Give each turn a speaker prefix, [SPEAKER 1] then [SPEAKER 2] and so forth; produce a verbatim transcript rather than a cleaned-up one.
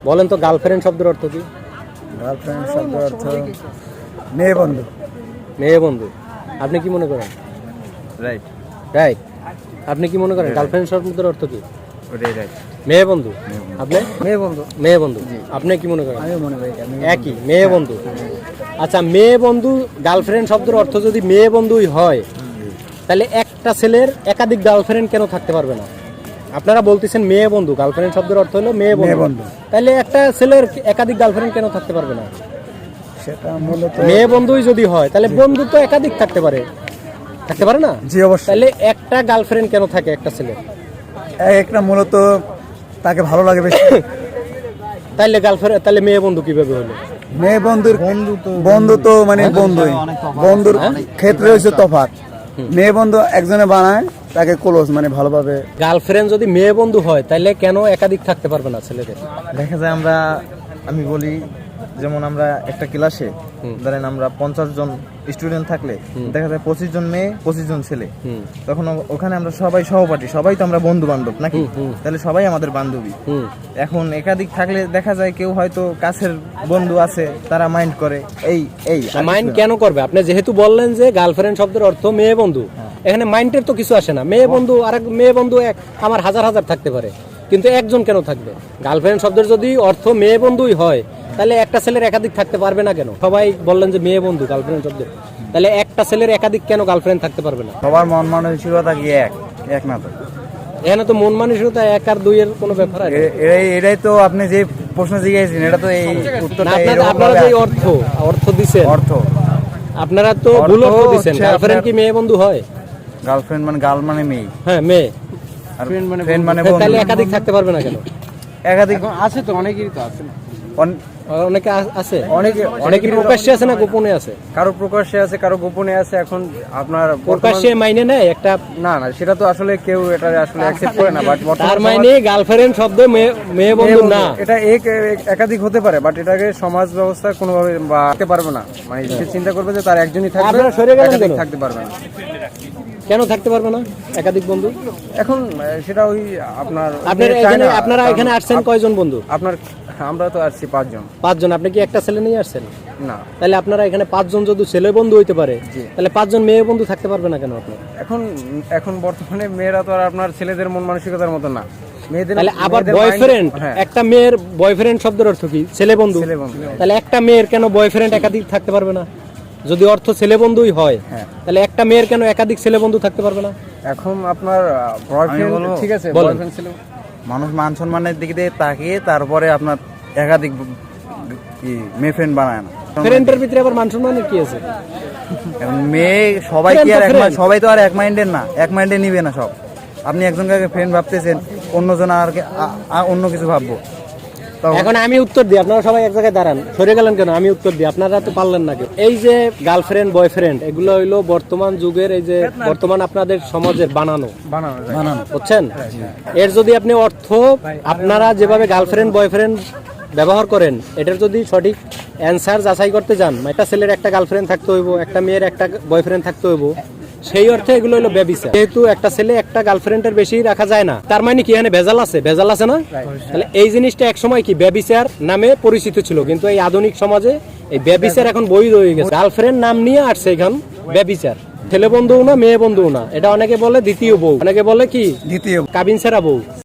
[SPEAKER 1] বলেন তো গার্লফ্রেন্ড শব্দের অর্থ কি?
[SPEAKER 2] গার্লফ্রেন্ড শব্দের অর্থ মেয়ে বন্ধু।
[SPEAKER 1] মেয়ে বন্ধু। আপনি কি মনে করেন?
[SPEAKER 2] Right
[SPEAKER 1] right. আপনি কি মনে করেন গার্লফ্রেন্ড শব্দের অর্থ কি?
[SPEAKER 2] ওটাই রাইট।
[SPEAKER 1] মেয়ে বন্ধু। আপনি?
[SPEAKER 2] মেয়ে বন্ধু।
[SPEAKER 1] মেয়ে বন্ধু। আপনি কি মনে করেন?
[SPEAKER 2] আমি মনে করি এটা মেয়ে
[SPEAKER 1] একই, মেয়ে বন্ধু। আচ্ছা, মেয়ে বন্ধু গার্লফ্রেন্ড শব্দের অর্থ যদি মেয়ে বন্ধুই হয়, তাহলে একটা ছেলের একাধিক গার্লফ্রেন্ড কেন থাকতে পারবে না? আপনারা বলতেছেন মেয়ে বন্ধু, গার্লফ্রেন্ড শব্দের অর্থ হলো মেয়ে
[SPEAKER 2] মেয়ে
[SPEAKER 1] বন্ধু।
[SPEAKER 2] বন্ধু।
[SPEAKER 1] তাহলে একটা ছেলের একাধিক গার্লফ্রেন্ড কেন থাকতে পারবে না?
[SPEAKER 2] সেটা মূলত
[SPEAKER 1] মেয়ে বন্ধুই যদি হয়, তাহলে বন্ধু তো একাধিক থাকতে পারে, থাকতে পারে না?
[SPEAKER 2] জি অবশ্যই।
[SPEAKER 1] তাহলে একটা গার্লফ্রেন্ড কেন থাকে একটা ছেলের?
[SPEAKER 2] একটা মূলত তাকে ভালো লাগে বেশি।
[SPEAKER 1] তাহলে গার্লফ্রেন্ড, তাহলে মেয়ে বন্ধু কিভাবে হলো?
[SPEAKER 2] মেয়ে বন্ধুর বন্ধু তো বন্ধু তো মানে বন্ধুই, বন্ধুর ক্ষেত্রে হচ্ছে তফাৎ। মেয়ে বন্ধু একজনে বানায় তাকে ক্লোজ মানে ভালোভাবে।
[SPEAKER 1] গার্লফ্রেন্ড যদি মেয়ে বন্ধু হয়, তাহলে কেন একাধিক থাকতে পারবে না ছেলেদের?
[SPEAKER 3] দেখা যায় আমরা, আমি বলি যেমন আমরা একটা ক্লাসে ধরেন আমরা পঞ্চাশ জন স্টুডেন্ট থাকলে দেখা যায় পঁচিশ জন মেয়ে পঁচিশ জন ছেলে, তখন ওখানে আমরা সবাই সহপাঠী, সবাই তো আমরা বন্ধু বান্ধব নাকি, তাহলে সবাই আমাদের বান্ধবী। এখন একাধিক থাকলে দেখা যায় কেউ হয়তো কাছের বন্ধু আছে, তারা মাইন্ড করে। এই এই
[SPEAKER 1] মাইন্ড কেন করবে? আপনি যেহেতু বললেন যে গার্লফ্রেন্ড শব্দের অর্থ মেয়ে বন্ধু, এখানে মাইন্ডের তো কিছু আসে না। মেয়ে বন্ধু আর এক মেয়ে বন্ধু এক আমার হাজার হাজার থাকতে পারে, কিন্তু একজন কেন থাকবে? গার্লফ্রেন্ড শব্দের যদি অর্থ মেয়ে বন্ধুই হয়, তাহলে একটা ছেলের একাধিক থাকতে পারবে না কেন? সবাই বললেন যে মেয়ে বন্ধু গার্লফ্রেন্ড শব্দের, তাহলে একটা ছেলের একাধিক কেন গার্লফ্রেন্ড থাকতে পারবে না?
[SPEAKER 2] সবার মন মানসিকতা কি এক এক না তো?
[SPEAKER 1] এখানে তো মন মানসিকতা এক আর দুই এর কোনো ব্যাপার আছে?
[SPEAKER 2] এ- এটাই এটাই তো আপনি যে প্রশ্ন জিজ্ঞাসেন, এটা তো এই উত্তরটা
[SPEAKER 1] না, আপনারা
[SPEAKER 2] এরকম
[SPEAKER 1] আপনারা
[SPEAKER 2] ভাবে
[SPEAKER 1] যে অর্থ অর্থ দিছেন,
[SPEAKER 2] অর্থ
[SPEAKER 1] আপনারা তো
[SPEAKER 2] অর্থ
[SPEAKER 1] ভুল অর্থ দিছেন।
[SPEAKER 2] হচ্ছে
[SPEAKER 1] গার্লফ্রেন্ড কি
[SPEAKER 2] আপনার-
[SPEAKER 1] মেয়ে বন্ধু হয়?
[SPEAKER 2] গার্লফ্রেন্ড মানে গার্ল মানে মেয়ে,
[SPEAKER 1] হ্যাঁ মেয়ে।
[SPEAKER 2] আর ফ্রেন্ড মানে বন্ধু।
[SPEAKER 1] তাহলে একাধিক থাকতে পারবে না কেন?
[SPEAKER 2] একাধিক
[SPEAKER 4] আছে তো অনেকেরই তো আছে না।
[SPEAKER 2] অন-
[SPEAKER 1] অনেকে আ- আছে,
[SPEAKER 2] অনেকে
[SPEAKER 1] অনেকে প্রকাশ্যে আছে না গোপনে আছে?
[SPEAKER 4] কারো প্রকাশ্যে আছে, কারো গোপনে আছে। এখন আপনার
[SPEAKER 1] প্রকাশ্যে মাইনে নেয় একটা,
[SPEAKER 4] না না সেটা তো আসলে কেউ এটা আসলে অ্যাকসেপ্ট করে না। বাট
[SPEAKER 1] তার মানে গার্লফ্রেন্ড শব্দ মেয়ে মেয়ে বন্ধু না।
[SPEAKER 4] এটা এক এক- একাধিক হতে পারে, বাট এটাকে সমাজ ব্যবস্থা কোনোভাবে বাড়তে পারবে না। মানে সে চিন্তা করবে যে তার একজনই থাকবে,
[SPEAKER 1] আপনারা সরে গেলেন
[SPEAKER 4] একাধিক
[SPEAKER 1] কেন?
[SPEAKER 4] থাকতে পারবে না।
[SPEAKER 1] কেন থাকতে পারবে না একাধিক বন্ধু?
[SPEAKER 4] এখন আহ, সেটা ওই আপনার
[SPEAKER 1] আপনারা
[SPEAKER 4] চায়
[SPEAKER 1] এখানে
[SPEAKER 4] না।
[SPEAKER 1] আপনারা
[SPEAKER 4] কারণ
[SPEAKER 1] এখানে আসছেন
[SPEAKER 4] আপ-
[SPEAKER 1] কয়জন বন্ধু?
[SPEAKER 4] আপনার আমরা তো আসছি পাঁচজন।
[SPEAKER 1] পাঁচজন। আপনি কি একটা ছেলে নিয়ে আসছেন?
[SPEAKER 4] না,
[SPEAKER 1] তাহলে আপনারা এখানে পাঁচজন যদি ছেলে বন্ধু হইতে পারে, তাহলে পাঁচজন মেয়ে বন্ধু থাকতে পারবে না কেন আপনার?
[SPEAKER 4] এখন এখন বর্তমানে মেয়েরা তো আর আপনার ছেলেদের মন মানসিকতার মতো না। মেয়েদের
[SPEAKER 1] তাহলে আবার
[SPEAKER 4] মেয়েদের
[SPEAKER 1] বয়ফ্রেন্ড,
[SPEAKER 4] mind- হ্যাঁ,
[SPEAKER 1] একটা মেয়ের বয়ফ্রেন্ড শব্দের অর্থ কি? ছেলে বন্ধু।
[SPEAKER 4] ছেলে বন্ধু।
[SPEAKER 1] তাহলে একটা মেয়ের কেন বয়ফ্রেন্ড একাধিক থাকতে পারবে না? যদি অর্থ ছেলে বন্ধুই হয়,
[SPEAKER 4] হ্যাঁ।
[SPEAKER 1] তাহলে একটা মেয়ের কেন একাধিক ছেলে বন্ধু থাকতে পারবে না?
[SPEAKER 4] এখন আপনার বয়ফ্রেন্ড
[SPEAKER 2] বলবো?
[SPEAKER 4] ঠিক আছে,
[SPEAKER 1] বলেন।
[SPEAKER 4] বয়ফ্রেন্ড ছিল।
[SPEAKER 2] মানুষ মান সম্মানের দিক দিয়ে তাকিয়ে তারপরে আপনার একাধিক কি মেয়ে ফ্রেন্ড বানায় না।
[SPEAKER 1] ফ্রেন্ডের ভিতরে আবার মান সম্মানের কি আছে?
[SPEAKER 2] এখন মেয়ে সবাই কি আর এক মাইন্ড, সবাই তো আর এক মাইন্ডের না, এক মাইন্ডে নিবে না সব। আপনি একজনকে ফ্রেন্ড ভাবতেছেন, অন্যজন আর কে- আ- আ- অন্য কিছু ভাববো। তখন
[SPEAKER 1] এখন আমি উত্তর দিই, আপনারা সবাই এক জায়গায় দাঁড়ান। সরে গেলেন কেন? আমি উত্তর দিই, আপনারা তো পারলেন না কেউ। এই যে গার্লফ্রেন্ড বয়ফ্রেন্ড, এগুলো হইলো বর্তমান যুগের, এই যে বর্তমান আপনাদের সমাজের বানানো,
[SPEAKER 4] বানানো যায়।
[SPEAKER 2] বানানো
[SPEAKER 1] বুঝছেন? এর যদি আপনি অর্থ, আপনারা যেভাবে গার্লফ্রেন্ড বয়ফ্রেন্ড ব্যবহার করেন, এটার যদি সঠিক অ্যান্সার যাচাই করতে যান, একটা ছেলের একটা গার্লফ্রেন্ড থাকতে হইব, একটা মেয়ের একটা বয়ফ্রেন্ড থাকতে হইব, সেই অর্থে এগুলো হলো ব্যভিচার। যেহেতু একটা ছেলে একটা গার্লফ্রেন্ডের বেশি রাখা যায় না, তার মানে কি এখানে ভেজাল আছে? ভেজাল আছে না? তাহলে এই জিনিসটা এক সময় কি ব্যভিচার নামে পরিচিত ছিল, কিন্তু এই আধুনিক সমাজে এই ব্যভিচার এখন বৈধ হয়ে গেছে। গার্লফ্রেন্ড নাম নিয়ে আসছে এখন ব্যভিচার। ছেলে বন্ধুও না, মেয়ে বন্ধুও না, এটা অনেকে বলে দ্বিতীয় বউ, অনেকে বলে কি
[SPEAKER 2] দ্বিতীয়
[SPEAKER 1] কাবিন সেরা বউ।